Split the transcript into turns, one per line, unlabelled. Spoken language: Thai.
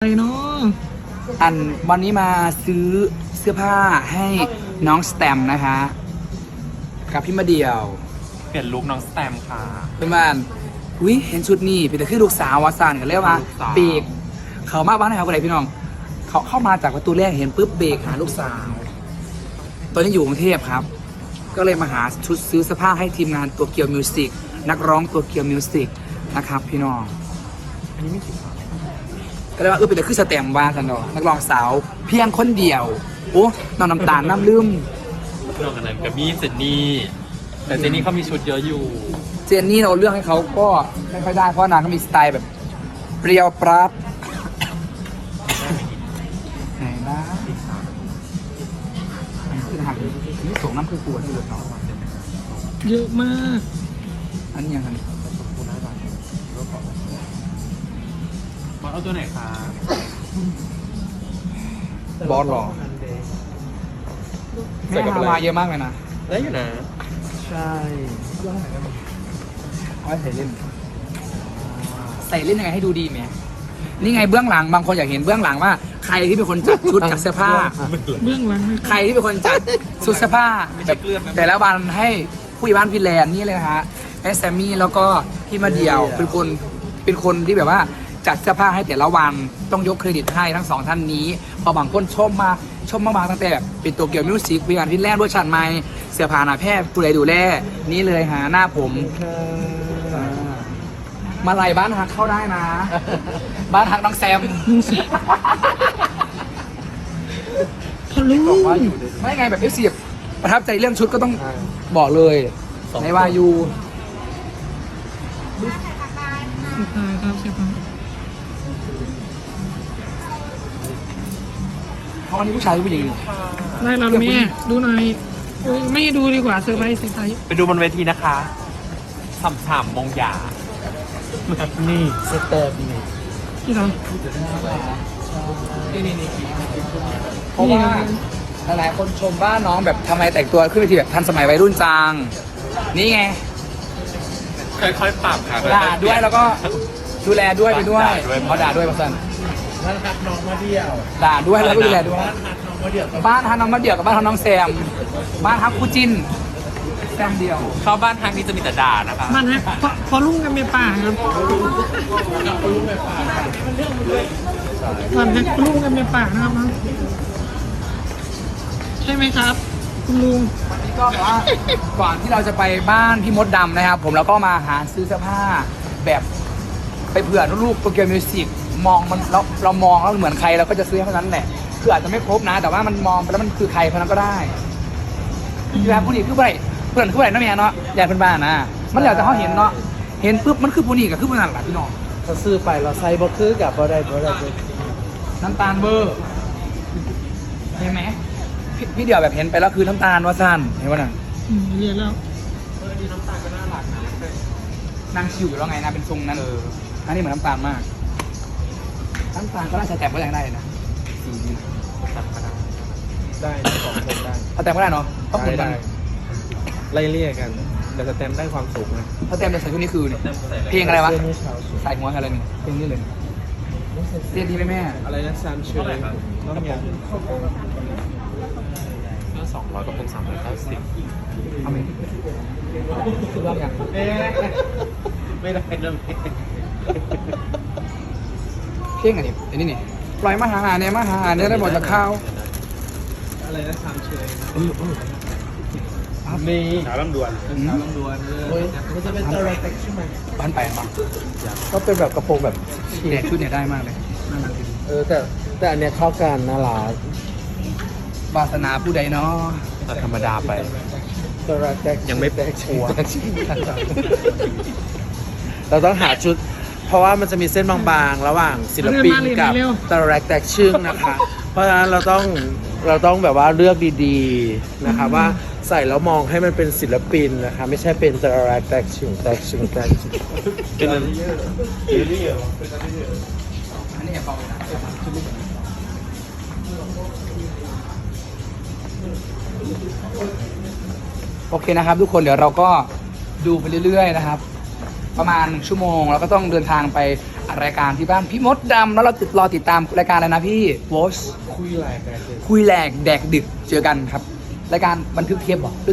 เนาะ
วันนี้มาซื้อเสื้อผ้าให้น้องสแตมนะคะกับพี่มาเดียว
เปลี่ยนลุคน้องสแตมค่ะ
เป็นบ้านเห็นชุดนี้เป็นแต่คือลูกสาววาซานกันเรียกว่าเบรกเขามาบ้านไหนครับคนไหนพี่น้องเขาเข้ามาจากประตูแรกเห็นปุ๊บเบรกหาลูกสาวตอนนี้อยู่กรุงเทพครับก็เลยมาหาชุดซื้อเสื้อผ้าให้ทีมงานตัวเกียวมิวสิกนักร้องตัวเกียวมิวสิกนะครับพี่น้อง
อันนี้ไม่ผิด
ก็เลยว่าเป็นแต่คือสแตมว่ากันเนาะนักร้องสาวเพียงคนเดียวโอ้น้องน้ำตาลน้ำลืม
น้องอันนั้นกับมี่เจนนี่แต่เจนนี่เขามีชุดเยอะอยู่
เจนนี่เราเลือกให้เขาก็ไม่ค่อยได้เพราะนางก็มีสไตล์แบบเปรี้ยวปราดไหนนะคือทางนี่ส่งน้ำคือปวดที่เหลือเนาะ
เยอะมาก
อันนี้ยังไง
บอสเอาตัวไหนคะ
บอสหรอแม่ฮาวาเยอะมากเลยนะ
ได้อยู่นะ
ใช่เอาใส่เล่นใส่เล่นยังไงให้ดูดีไหมนี่ไงเบื้องหลังบางคนอยากเห็นเบื้องหลังว่าใครที่เป็นคนจัดชุดจัดเสื้อผ้า
เบื้องหลัง
ใครที่เป็นคนจัดชุดเสื้อผ้าแต่ละวันให้ผู้ใหญ่บ้านฟินแลนด์นี่เลยนะฮะให้แซมมี่แล้วก็พี่มาเดียวเป็นคนที่แบบว่าจัดเสื้อผ้าให้แต่ละวันต้องยกเครดิตให้ทั้งสองท่านนี้พอบางคนชมมาตั้งแต่แบบเป็นตัวเกี่ยวมิวสิกวิญญาณฟินแลนด์ด้วยชันไม้เสื้อผ้าหน้าแพทย์ดูแลนี่เลยหาหน้าผมมาไล่บ้านฮักเข้าได้นะ บ้านฮักน้องแซม
ทะลุ
ไม่ไงแบบเสียบประทับใจเรื่องชุดก็ต้องบอกเลยในวายู
ครับเสียบ
เพราะวันนี้ผู้ชายผู้หญิง
ได้เราแม่ดูหน่อยไม่ดูดีกว่าเซอร์ไพรส์
ไปดูบนเวทีนะคะฉ่ำๆมงหยา
นี่สเตอร์นี่
ที่เรา
นี่เพราะว่าหลายคนชมว่าน้องแบบทำไมแต่งตัวขึ้นไปทีแบบทันสมัยวัยรุ่นจังนี่ไง
ค่อยๆปรับค่ะ
ด่าด้วยแล้วก็ดูแลด้วยไปด้วยเขาด่าด้วยมาสั่น
บ้านฮักน้องมาเดี่ยว
ด่าด้วยแล้วก็ดูแลด้วยบ้านฮักน้องมาเดี่ยวกับบ้านฮักน้องแซมบ้านฮักคู่จิ้นแซมเดียว
เข้าบ้านทางนี้จะมีแต่ด่านะคะ
มันฮะพอลุ่งกันเมียป่าครับมันฮะลุ่งกันเมียป่านะครับใช่ไหมครับคุณลุง
วันนี้ก็ว่าก่อนที่เราจะไปบ้านพี่มดดำนะครับผมแล้วก็มาหาซื้อเสื้อผ้าแบบไปเผื่อลูกโปรแกรมมิวสิกมองมันเรามองแล้วเหมือนใครเราก็จะซื้อเท่านั้นแหละคืออาจจะไม่ครบนะแต่ว่ามันมองไปแล้วมันคือใครคนนั้นก็ได้ที่แบบผู้นี้คือผู้ใดเพื่อนคือผู้ใดนั่นเองเนาะอยากเป็นบ้านนะมันอยากจะเขาเห็นเนาะเห็นปุ๊บมันคือผู้นี้กับคือผู้นั้นแหละพี่น้อง
เราซื้อไปเราใส่บ่คือกับบ่ได้
น้ำตาลเบอร์เห็นไหมพี่เดี่ยวแบบเห็นไปแล้วคือน้ำตาลว่าสั้นเห็นว่าน่ะ
เรียนแล้ว
ดีน้ำตาลก็น่ารักนะ
นางชิวอยู่แล้วไงนะเป็นทรงนั้นอันนี้เหมือนน้ำตาลมากน้ำตาลก็น่าจะแต่งก็ยังได้นะสีนี้
ได้สองคนได้
เขาแต่งก็ได้เนาะต้องเหมือนกัน
ไล่เลี่ยกันแต่สแตมได้ความสุขนะ
เขาแต่งในใส่ชุดนี้คือเนี่ยเพลงอะไรวะใส่หัวอะไรเนี่ยเพลงนี้เลยเรียนดีไหมแม่
อะไรนะซามเชอร์น้องยา
200กับ390
เอาไหมคือว่าอย่าง
ไม่ได้เริ่ม
เพ่งอันนี้นี่ปล่อยมาหาเนี่ยได้หมดจากข้าว
อะไรนะซามเชอร์มี
สาวลำดวน
มันจะเป็นตัวแท็กใช่ไหม
บ้านไปมั้ง
ก็เป็นแบบกระโปรงแบบ
เนี่ยชุดเนี่ยได้มากเลย
แต่อันเนี้ยเข้ากันน่ารัก
วาสนาผู้ใดเนาะ
ธรรมดาไป
ตัวแท็ก
ยังไม่แตกชัวร์
เราต้องหาชุดเพราะว่ามันจะมีเส้นบางๆระหว่างศิลปินกับตัวแท็กชึ่งนะคะเพราะฉะนั้นเราต้องแบบว่าเลือกดีๆนะคะว่าใส่แล้วมองให้มันเป็นศิลปินนะคะไม่ใช่เป็นตัวแท็กชึ่ง
เป็นอันนี้
เบานะโอเคนะครับทุกคนเดี๋ยวเราก็ดูไปเรื่อยๆนะครับประมาณ1 ชั่วโมงแล้วก็ต้องเดินทางไปรายการที่บ้านพี่มดดำแล้วเรารอติดตามรายการอะไรนะพี่วอช
คุยแหลกแดกเด็ก
คุยแหลกแดกดึกเจอกันครับรายการบันทึกเทปเหรอ